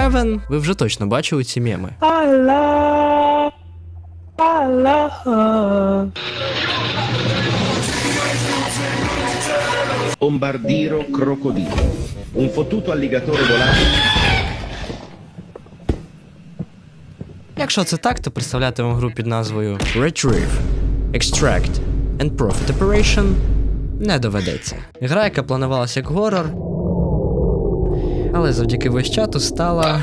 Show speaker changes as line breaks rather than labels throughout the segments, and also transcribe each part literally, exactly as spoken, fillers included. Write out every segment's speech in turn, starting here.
певен, ви вже точно бачили ці меми.
Allah, Allah.
Bombardiro crocodilo. Un fottuto alligatore volante.
Якщо це так, то представляти вам гру під назвою Retrieve, Extract and Profit Operation не доведеться. Гра, яка планувалася як горор, але завдяки войс-чату стала...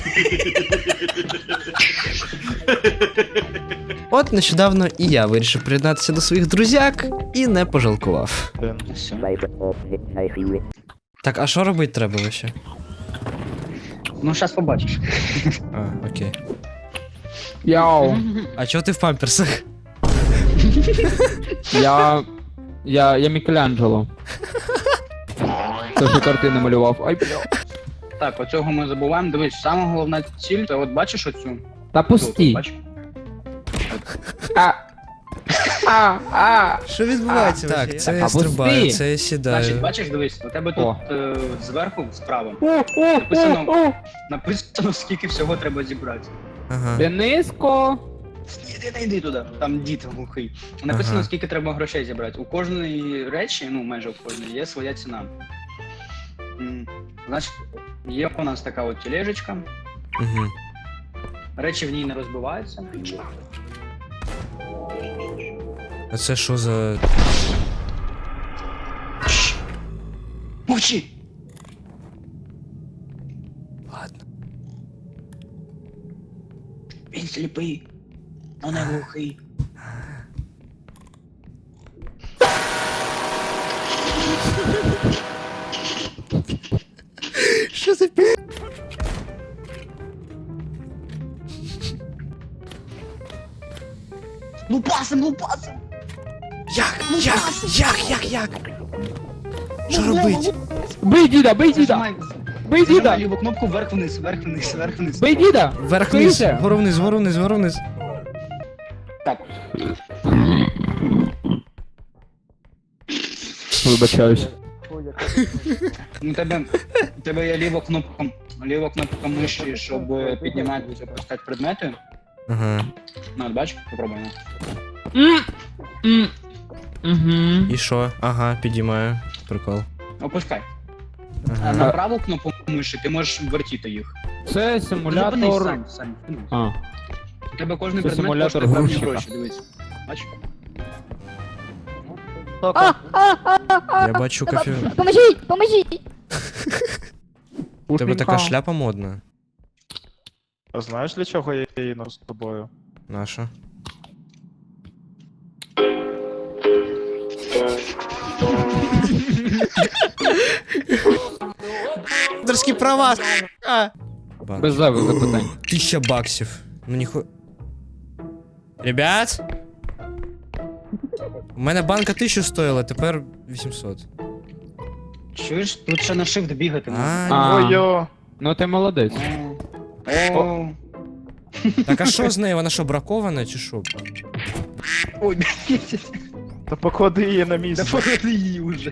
От нещодавно і я вирішив приєднатися до своїх друзяк і не пожалкував. Так, а що робити треба вообще?
Ну, зараз побачиш.
А, окей.
Яу.
А чого ти в памперсах?
Я. Я. Я Мікеланджело. Це ж картини малював. Ай, бля.
Так, оцього ми забуваємо. Дивись, сама головна ціль, це от бачиш оцю?
Та
Тут,
пусті.
бачиш?
А. А, а.
Що відбувається? Так, це я
А,
стрибаю,
пусти.
це я сідаю.
Значить, бачиш, дивись, у тебе
О.
тут е, зверху, справа,
О, о,
Написано.
о, о.
написано, скільки всього треба зібрати.
Ага.
Денисько.
Іди, не йди туди, там дід глухий. Написано,
Ага.
скільки треба грошей зібрати. У кожної речі, ну майже у кожної, є своя ціна. М, Значить, є у нас така от тележечка,
Угу.
речі в ній не розбиваються.
А це що за...
Мовчи!
Ладно.
Він сліпий, но не глухий.
Що за пі...
Лупасим, лупасим!
Як? Як? Як? Як? Як? Що робить?
Бий діда, бий діда.
Зажимай,
Бий
зажимай
діда.
ліву кнопку вверх-вниз, вверх-вниз, вверх-вниз.
Бий діда.
Вверх-вниз,
Скоріше.
вгору-вниз, вгору-вниз, вгору-вниз.
Так,
Вибачаюсь.
у тебе, у тебе є ліва кнопка, ліва кнопка миші, щоб е, піднімати і опускати предмети.
Ага.
Ну, от бач, попробуй. ну.
М. М. Мгм.
І що? Ага, підіймаю. Прикол.
Опускай. А
Ага.
на праву кнопку миші ти можеш вертіти їх.
Це
Зупинись
симулятор.
сам, сам. Ну,
А.
у тебе кожен
Це
предмет
симулятор
коштує певні
грузчика.
гроші, дивись. Бач?
Я бачу кофе.
Поможіть, поможіть!
У тебе така шляпа модна.
А знаєш, для чого я її ношу з тобою?
Наша. Авторські права! А!
Без зайвих запитань.
Тисяча баксів. Ну ніху... Ребят? У мене банка тисячу стоїла, тепер вісімсот.
Чуєш, тут ще на shift бігати можна.
А,
А.
Ой-йо!
Ну ти молодець.
О, о.
так а що з нею? Вона що, бракована чи що?
Ой,
Та поклади її на
да
місце.
погляди її вже.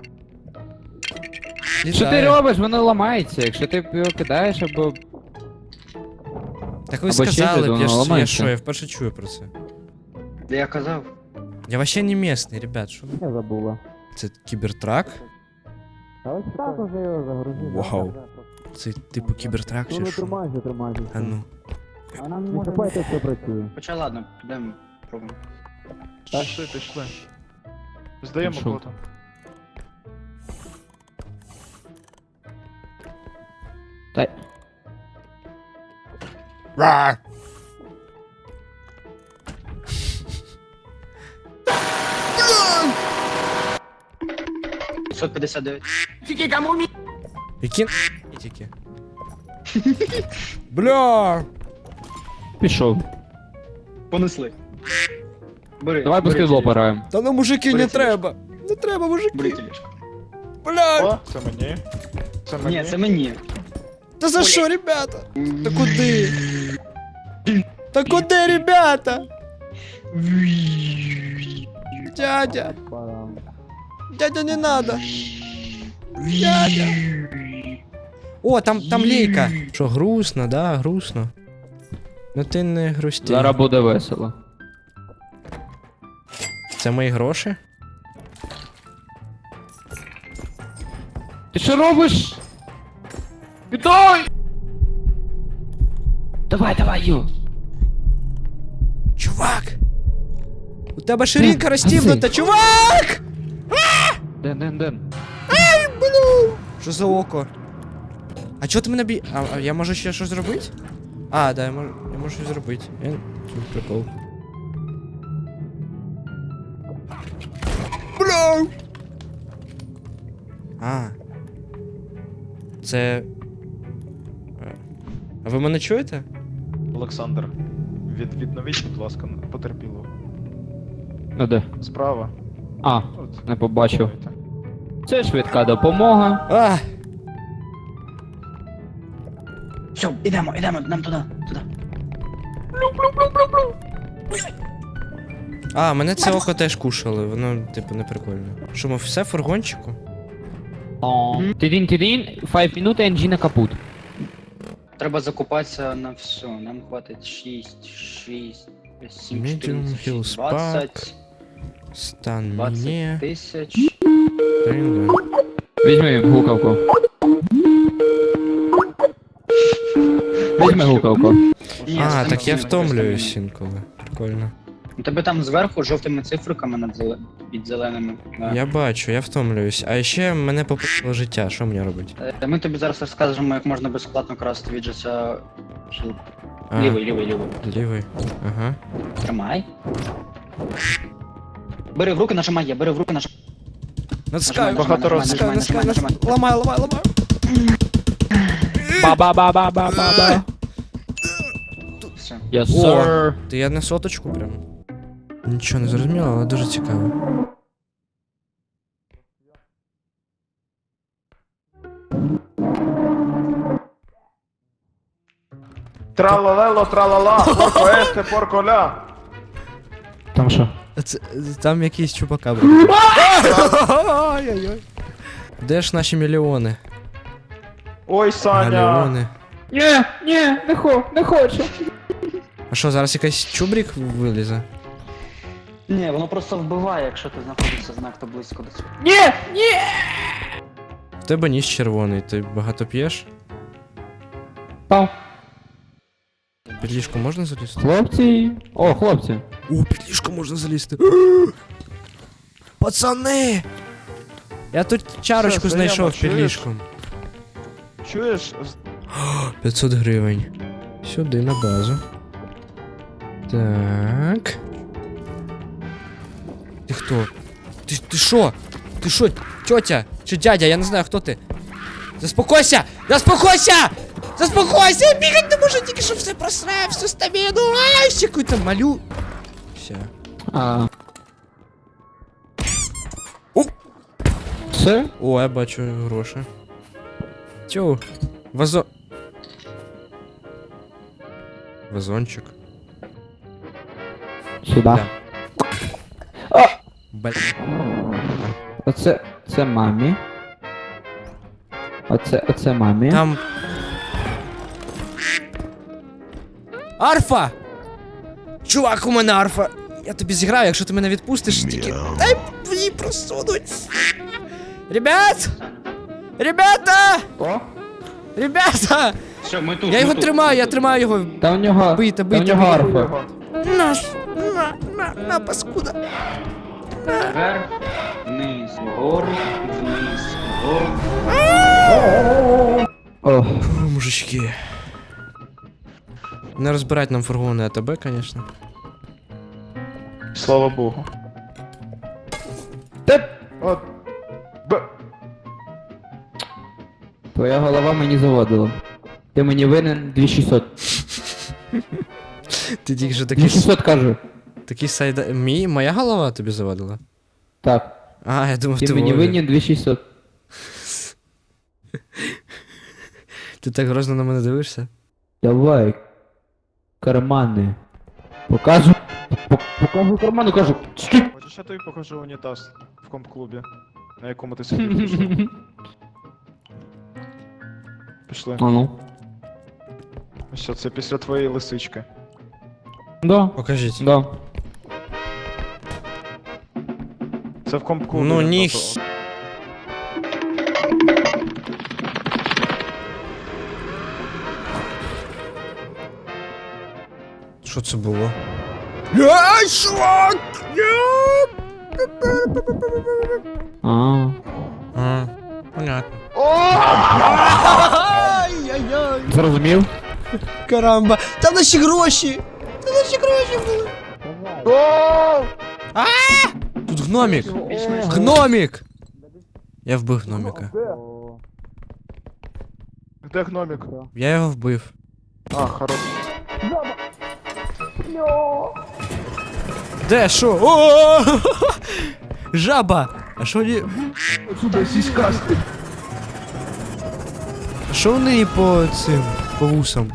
Що ти робиш? Воно ламається. Якщо ти його кидаєш або.
Так ви
Або ще
сказали
щось,
б,
воно
я ж я
ламається.
що, я вперше чую про це.
Я казав.
Я вообще не местный, ребят, що ви?
Я забула.
Це кібертрак?
Так уже його загрузили.
Вау. Це типу кібертрак чи що?
тримайся, тримайся.
А ну.
Вона
Не
може...
чіпайте, все працює.
Хоча ладно, підемо пробуємо.
Пішли, пішли. Здаємо
Пішов.
бота.
Та
п'ятсот п'ятдесят дев'ять.
Які тільки. Бля!
пішов.
Понесли. Бери.
Давай
бери
баскетбол
тележку.
пограємо.
Та ну мужики,
Бери
не
тележку.
треба! Не треба,
Бери
мужики!
тележку.
Бля!
О, це мені. Це мені.
Ні, це мені.
Та за що, ребята? Та куди? Та куди, ребята? Дядя! Дядя, не надо! Дядя! О, там, там лейка. Що, грустно, да, грустно. Ну ти не грусти.
Зараз буде весело.
Це мої гроші?
Ти що робиш? Віддай! Давай, давай, Ю.
Чувак! У тебе ширинка
Ден,
розстібнута,
гаси.
чувак!
Ден, Ден, Ден.
Що за око? А чого ти мене бі... А, а я можу ще щось зробити? А, да, я можу, я можу щось зробити. Я... Тут прикол. Бля! А. Це... Е, А ви мене чуєте?
Олександр, від, відновіть, будь ласка, потерпіло.
Ну де?
Справа.
А,
От.
не побачив.
Давайте.
Це швидка допомога.
А!
Все, ідемо, ідемо, нам туди, туди.
А, мене це око теж кушали, воно, типу, не прикольно. Що, ми все в фургончику?
Тидін, тидін, п'ять минут і енджіна капут.
Треба закупатися на все. Нам хватить шість, шість, сім,
Medium
чотирнадцять,
Hill
шість, двадцять,
Spark. Стан
двадцять
мені.
тисяч.
Тринга.
Візьми гукавку. Візьми гукавку.
Ні,
А,
стан
так я
мені
втомлююсь
просто
інколи. Прикольно.
У тебе там зверху жовтими цифриками над зеле... під зеленими. Да.
Я бачу, я втомлююсь. А ще мене попало життя, що мені робити?
Е, Ми тобі зараз розкажемо, як можна безплатно красти від життя хіл.
А,
Лівий, лівий, лівий.
Лівий. Ага.
Тримай. Бери в руки, нажимай, я, бери в руки, нажимай.
Натискаю,
Нажимай,
багато
нажимай,
разів.
нажимай, нажимай, нажимай.
Ламаю, ламаю, ламаю.
Ба-ба-ба-ба-ба-ба.
Все.
Yes,
О,
sir.
ти я на соточку прям. Нічого не зрозуміло, але дуже цікаво.
Тралалело, тралала, порко есте, порко ля.
Там що?
Це, там якийсь чупакабра. Ой-ой-ой. Де ж наші мільйони?
Ой, Саня.
Галіони.
Ні, ні, не хо, не хочу.
А що, зараз якийсь чубрік вилізе?
Ні, воно просто вбиває, якщо ти знаходишся занадто близько до цього.
Ні, ні.
В тебе ніс червоний, ти багато п'єш?
Пав.
Під ліжко можна залізти?
Хлопці. О, хлопці.
О, під ліжко можна залізти. Пацани! Я тут чарочку
Все,
знайшов
Заяма,
під
чуєш?
ліжком.
Чуєш? З-
п'ятсот гривень. Сюди на базу. Так. Ти хто? Ти, ти шо? Ти шо, тьотя? Чи дядя? Я не знаю, хто ти. Заспокойся! Заспокойся! Заспокойся! Я бігать не можу, тільки що все просрав, всю стаміну. Ай, ще какую-то малю. Все.
А.
О!
Все?
О, я бачу гроші. Тю. Вазо... Вазончик.
Сюди.
Да.
А!
Бля.
Оце, це мамі. Оце, оце мамі.
Там... Арфа! Чувак, у мене арфа! Я тобі зіграю, якщо ти мене відпустиш, тільки... Дай її просунуть! Ребят! Ребята!
О?
Все,
Ребята!
ми тут.
Я
ми
його
тут,
тримаю,
ми
я
тут.
тримаю його.
Та у нього.
Бийте,
та у
бийте,
нього
бийте.
арфа.
Його.
Наш! На, на, на, паскуда!
Вверх, вниз, вгору, вниз, вгору.
О,
Фу, мужички. Не розбирать нам фургони АТБ, конечно.
Слава Богу.
те.
От. Б.
Твоя голова мені заводила. Ти мені винен дві шістсот.
Ти тільки що
дві
такий,
шістсот кажу.
такий сайда... Мій? Моя голова тобі завадила?
Так.
А, я думав, ти,
Ти мені
Вові.
винен дві шістсот.
Ти так грозно на мене дивишся?
Давай. Кармани. Покажу. Пок- Покажу кармани, кажу. Стій.
Хочеш, я тобі покажу унітаз в комп-клубі, на якому ти сидів. Пішли.
А ну.
Що, це після твоєї лисички.
Да,
Покажіть.
да.
Це в компку.
Ну,
блін,
ні.
тобто-
Що це було? Ай, шок!
А.
А, понятно. Ай-яй-яй!
Зрозумів?
Карамба! Там наші гроші! Там наші гроші були! А! Тут гномік! Гномік! Я вбив гноміка.
Де гномік?
Я його вбив.
А, хорош.
Де, що? О! Жаба! А що вони...
Сюди, сіськасти.
А що вони по цим... по вусам?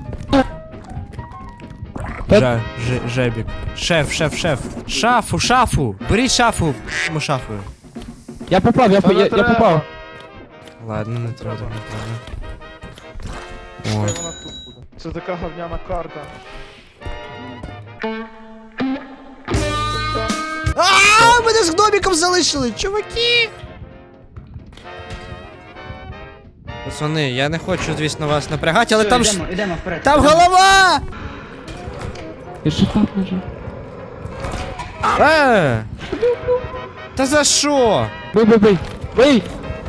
Жа... Ж... Жебік. Шеф, шеф, шеф. Шафу, шафу! Беріть шафу! Мо шафу.
Я попав, я,
Та
по-
не
я, я
треба.
попав.
Ладно, не треба, не треба.
Хай
О.
вона тут буде. Це така говняна карта.
А, мене з гноміком залишили, чуваки! Пацани, я не хочу, звісно, вас напрягати, але
Все,
там ж...
йдемо, йдемо вперед.
Там
йдемо.
голова!
І що там вже?
Е! Та за що?
Бий, бий, бий! Бий!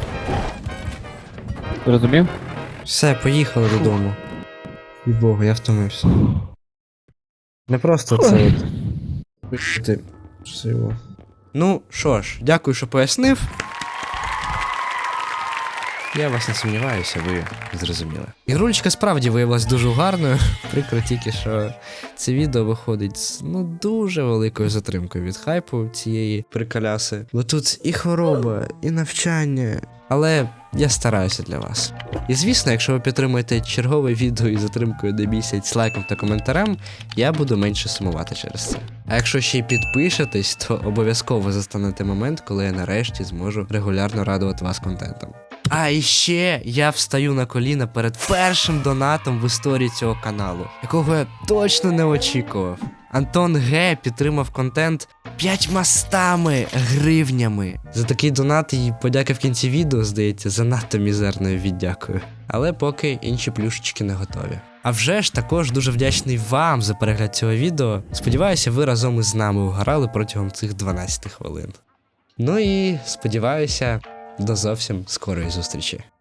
Зрозумів?
Все, поїхали додому. І Богу, я втомився. Не просто це от. Ти. Що його? Ну, що ж, дякую, що пояснив. Я вас не сумніваюся, ви зрозуміли. Ігрулечка справді виявилась дуже гарною. Прикро тільки, що це відео виходить з ну дуже великою затримкою від хайпу цієї приколяси. Бо тут і хвороба, і навчання. Але я стараюся для вас. І звісно, якщо ви підтримуєте чергове відео із затримкою на місяць лайком та коментарем, я буду менше сумувати через це. А якщо ще й підпишетесь, то обов'язково застанете момент, коли я нарешті зможу регулярно радувати вас контентом. А і ще я встаю на коліна перед першим донатом в історії цього каналу, якого я точно не очікував. Антон Г підтримав контент п'ятьма стами гривнями. За такий донат і подяка в кінці відео, здається, занадто мізерною віддякою. Але поки інші плюшечки не готові. А вже ж також дуже вдячний вам за перегляд цього відео. Сподіваюся, ви разом із нами угорали протягом цих дванадцяти хвилин. Ну і сподіваюся, до зовсім скорої зустрічі.